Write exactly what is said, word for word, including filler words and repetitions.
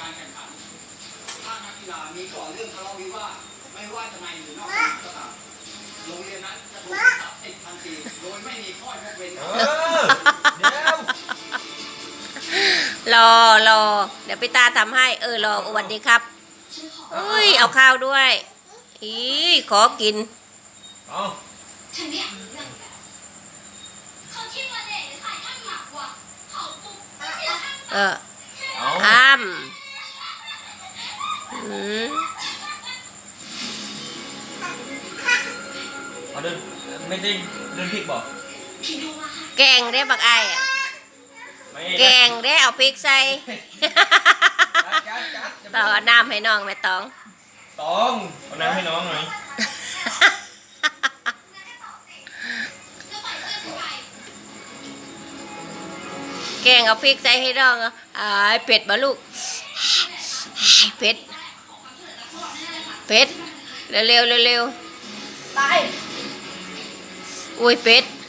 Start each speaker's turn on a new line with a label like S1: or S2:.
S1: การแข่งขันถ้านักกีฬามีก่อเรื่องทะเลาะวิวาทไม่ว่าจะในหรือนอกสนามก็ตามโรงเรียนนั้นจะถูกตัดสิทธิ์ทันทีโดยไม่มีข้อยกเว้น
S2: เออเดี๋ยว
S3: รอรอเดี๋ยวพี่ตาทำให้เออรอสวัสดีครับอุ้ยเอาข้าวด้วยอีขอกิน
S2: เอา
S4: ฉันไม่อยากรู้เรื่องแล้วเขาคิดว่าเด็กขายท่านหมักว่ะเขาปุ๊บไม่ใช่ท่าน
S3: เออ
S2: เอา
S3: อ้ามอืม
S2: เอาเดินไม่ได้เดินพลิกบอก
S4: พี่ดูมาค่ะ
S3: แกงได้บักไอ้อะ
S2: ไม่
S3: แกงได้เอาพริกใส่
S2: จัดจัดจัด
S3: ต่อน้ำให้น้องแม่ตอง
S2: ตองเอาน้ำให้น้องหน่อย
S4: แล้วปล่อยเพื่อนฉันไป
S3: แกงเอาพริกใส่ให้น้องอ่ะอ้ายเผ็ดบ่ลูกเผ็ด
S4: ขอความช่วยเหลือจากพวกเราแน่เลยค่ะ
S3: เผ็ดเร็วเร็วเร็ว
S4: ไป
S3: ๆอุ้ยเผ็ด